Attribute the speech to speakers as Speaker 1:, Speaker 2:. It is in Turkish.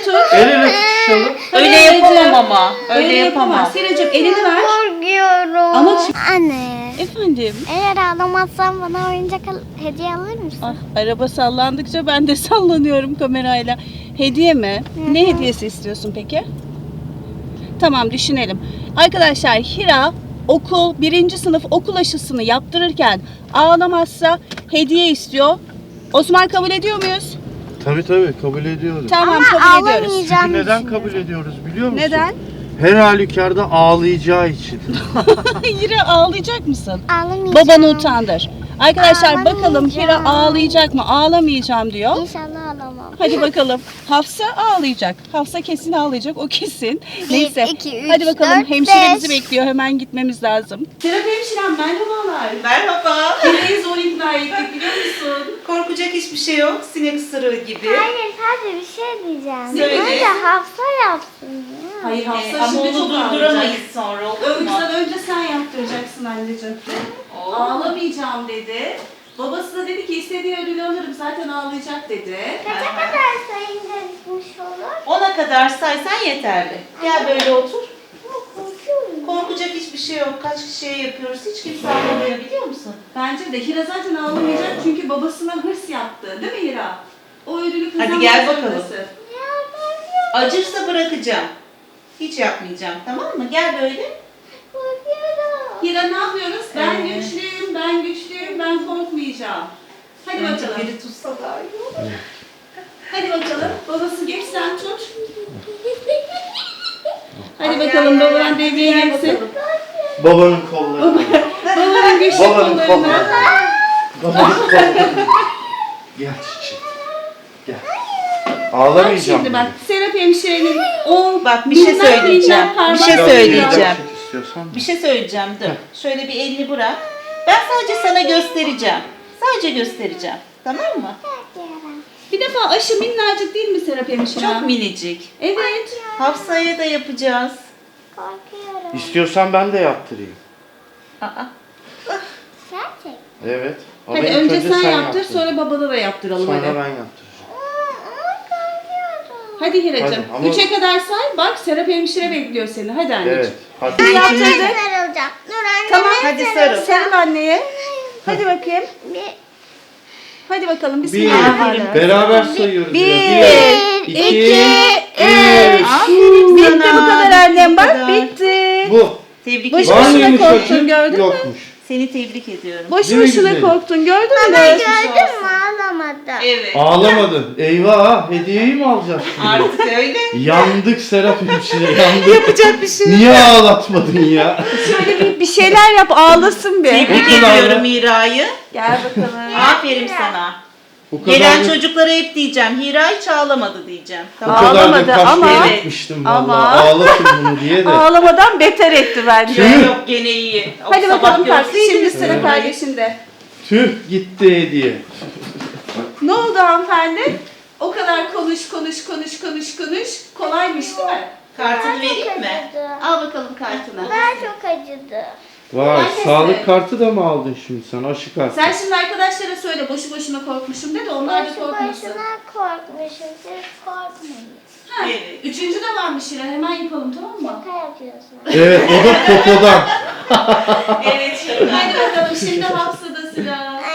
Speaker 1: tut.
Speaker 2: El ele tutuşalım.
Speaker 3: Öyle yapamam ama. Öyle yapamam.
Speaker 1: Seracığım elini ver.
Speaker 4: Korkuyorum.
Speaker 1: Ama
Speaker 4: Anne,
Speaker 1: efendim.
Speaker 4: eğer ağlamazsan bana oyuncak hediye alır mısın?
Speaker 1: Ah, araba sallandıkça ben de sallanıyorum kamerayla. Hediye mi? Ne hediyesi istiyorsun peki? Tamam, düşünelim. Arkadaşlar, Hira birinci sınıf okul aşısını yaptırırken ağlamazsa hediye istiyor. Osman, kabul ediyor muyuz?
Speaker 2: Tabii kabul ediyorum.
Speaker 1: Tamam,
Speaker 4: Ama
Speaker 1: kabul ediyoruz.
Speaker 4: ağlamayacağım.
Speaker 2: Çünkü neden
Speaker 4: düşünüyorum.
Speaker 2: kabul ediyoruz biliyor musun?
Speaker 1: Neden?
Speaker 2: Her halükarda ağlayacağı için.
Speaker 1: Hira, ağlayacak mısın?
Speaker 4: Ağlamayacağım.
Speaker 1: Babanı utandır. Arkadaşlar, bakalım
Speaker 4: Ağlamayacağım.
Speaker 1: Hira ağlayacak mı? Ağlamayacağım diyor.
Speaker 4: İnşallah ağlamam.
Speaker 1: Hadi bakalım. Hafsa ağlayacak. Hafsa kesin ağlayacak. O kesin. Neyse.
Speaker 4: 2, 3,
Speaker 1: Hadi bakalım.
Speaker 4: 4,
Speaker 1: Hemşire
Speaker 4: 5.
Speaker 1: bizi bekliyor. Hemen gitmemiz lazım. Serap hemşirem, merhabalar.
Speaker 3: Merhaba.
Speaker 1: Hira'yı zor ikna ettik, biliyor musun?
Speaker 3: Korkacak hiçbir şey yok. Sinek ısırığı gibi.
Speaker 4: Hayır, sadece bir şey diyeceğim.
Speaker 3: Söyle.
Speaker 4: Önce Hafsa yapsın ya.
Speaker 1: Hayır, Hafsa
Speaker 3: Ama
Speaker 1: şimdi
Speaker 3: onu
Speaker 1: çok
Speaker 3: durduramayız
Speaker 1: ağlayacak.
Speaker 3: sonra, olur mu?
Speaker 1: Önce sen yaptıracaksın anneciğim.
Speaker 3: Oo.
Speaker 1: Ağlamayacağım dedi. Babası da dedi ki istediği ödülü alırım, zaten ağlayacak dedi.
Speaker 4: Kaça kadar sayınca bitmiş olur?
Speaker 3: 10'a kadar saysan yeterli. Gel böyle otur.
Speaker 4: Ama korkuyorum.
Speaker 3: Korkacak hiçbir şey yok. Kaç kişiye yapıyoruz. Hiç kimse ağlamıyor, biliyor musun?
Speaker 1: Bence de Hira zaten ağlamayacak çünkü babasına hırs yaptı. Değil mi Hira? O ödülü kazanmak
Speaker 3: Hadi gel bakalım.
Speaker 1: zorundasın.
Speaker 4: Ya ben
Speaker 3: Acırsa bırakacağım. Hiç yapmayacağım, tamam mı? Gel böyle.
Speaker 4: korkuyorum.
Speaker 1: Hira, ne yapıyoruz? Ben
Speaker 3: Evet.
Speaker 1: güçlüyüm, ben güçlüyüm, ben korkmayacağım. Hadi
Speaker 3: Önce
Speaker 1: bakalım.
Speaker 3: biri tutsa daha iyi olur.
Speaker 1: Hadi bakalım. Babası geç, sen tut. Hadi bakalım, baban devreye
Speaker 3: Gel
Speaker 1: girsin.
Speaker 3: bakalım.
Speaker 2: Babanın kolları.
Speaker 1: Babanın güçlü
Speaker 2: Babanın
Speaker 1: kollarına.
Speaker 2: kolları. Babanın kolları. Gel çiçeğim. Gel.
Speaker 1: Bak
Speaker 2: Ağlamayacağım.
Speaker 1: şimdi bak, Serap hemşirenin o
Speaker 3: Bak, bir şey
Speaker 1: minnak
Speaker 3: söyleyeceğim.
Speaker 1: minnak parmak
Speaker 3: Bir şey
Speaker 2: Biraz
Speaker 3: söyleyeceğim.
Speaker 2: ileriden çek istiyorsan.
Speaker 3: Bir şey söyleyeceğim, dur. Şöyle bir elini bırak. Ben sadece sana göstereceğim. Sadece göstereceğim. Tamam mı?
Speaker 1: Bir defa aşı minnacık değil mi Serap hemşire?
Speaker 3: Çok minicik.
Speaker 1: Evet.
Speaker 3: Hafsa'ya da yapacağız.
Speaker 4: Korkuyorum.
Speaker 2: İstiyorsan ben de yaptırayım.
Speaker 3: Aa,
Speaker 4: Gerçek.
Speaker 2: Evet. Ama
Speaker 1: Hadi
Speaker 2: ilk
Speaker 1: önce sen yaptır,
Speaker 2: yaptır.
Speaker 1: sonra babana da yaptıralım
Speaker 2: Sonra
Speaker 1: hadi.
Speaker 2: ben yaptıracağım.
Speaker 4: Ama korkuyorum.
Speaker 1: Hadi Hiracığım.
Speaker 2: Hadi, ama-
Speaker 1: 3'e kadar say. Bak, Serap hemşire bekliyor seni. Hadi anneciğim.
Speaker 2: Evet. Hadi.
Speaker 4: Ben
Speaker 1: Yaptırdı.
Speaker 4: sarılacağım. Dur anne.
Speaker 1: Tamam,
Speaker 3: hadi sarıl.
Speaker 1: Sarıl anneye. Hadi bakayım.
Speaker 4: Bir,
Speaker 1: Hadi bakalım.
Speaker 2: Bir.
Speaker 1: Bismillahirrahmanirrahim.
Speaker 2: Beraber sayıyoruz.
Speaker 1: Bir,
Speaker 2: Bir, iki, üç.
Speaker 3: aferin
Speaker 1: Bitti
Speaker 3: sana.
Speaker 1: bu kadar annem,
Speaker 3: Bu
Speaker 1: bak
Speaker 3: kadar.
Speaker 1: bitti.
Speaker 2: Bu.
Speaker 3: Tebrik
Speaker 1: Boş
Speaker 3: ediyorum.
Speaker 1: boşuna
Speaker 2: Var mıymış
Speaker 1: korktun,
Speaker 2: acı?
Speaker 1: gördün mü?
Speaker 2: Yokmuş.
Speaker 3: Seni tebrik ediyorum.
Speaker 1: Boş
Speaker 2: Değil mi
Speaker 1: boşuna
Speaker 2: güzelim?
Speaker 1: korktun, gördün mü?
Speaker 4: gördün mü ağlamadı.
Speaker 3: Evet.
Speaker 2: Ağlamadın. Eyvah, hediyeyi mi alacağız şimdi?
Speaker 3: Artık öyle.
Speaker 2: Yandık Serap hemşire, yandık.
Speaker 1: Yapacak bir şey yok.
Speaker 2: Niye ağlatmadın ya?
Speaker 1: Şöyle bir şeyler yap, ağlasın bir.
Speaker 3: Tebrik
Speaker 2: O kadar
Speaker 3: ediyorum
Speaker 2: mı?
Speaker 3: Mira'yı.
Speaker 1: Gel bakalım.
Speaker 3: Aferin sana.
Speaker 2: O kadar
Speaker 3: Gelen
Speaker 2: da,
Speaker 3: çocuklara hep diyeceğim. Hira hiç ağlamadı diyeceğim.
Speaker 2: o
Speaker 3: Tamam.
Speaker 2: kadar da
Speaker 1: Ağlamadı
Speaker 2: kaşlara
Speaker 1: ama-
Speaker 2: gitmiştim
Speaker 1: ama-
Speaker 2: vallahi. Ağlatın bunu diye de.
Speaker 1: Ağlamadan beter etti bence.
Speaker 2: Tüh.
Speaker 3: Yok, gene iyi. O
Speaker 1: Hadi
Speaker 3: sabah
Speaker 1: bakalım kalk.
Speaker 3: görseydiniz
Speaker 1: Şimdi sıra
Speaker 3: Mira'yı.
Speaker 1: kardeşinde.
Speaker 2: Tüh gitti hediye.
Speaker 1: Ne oldu hanımefendi? O kadar konuş. Kolaymış değil mi?
Speaker 3: Kartını
Speaker 4: Çok
Speaker 3: vereyim mi?
Speaker 4: acıdı.
Speaker 1: Al bakalım kartını.
Speaker 4: Ben çok acıdı.
Speaker 2: Vay,
Speaker 1: Maalesef.
Speaker 2: sağlık kartı da mı aldın şimdi sen? Aşı kartı.
Speaker 1: Sen şimdi arkadaşlara söyle, boşu boşuna korkmuşum de onlar da
Speaker 4: Boşu
Speaker 1: korkmasın.
Speaker 4: boşuna korkmuşum. Siz korkmayın.
Speaker 1: Ha,
Speaker 3: Evet.
Speaker 1: üçüncü de varmış Hira, hemen yapalım, tamam mı?
Speaker 4: Şaka yapıyorsun.
Speaker 2: Evet, o da popodan.
Speaker 3: Evet.
Speaker 1: Hadi bakalım, şimdi Hafsa'da sıra.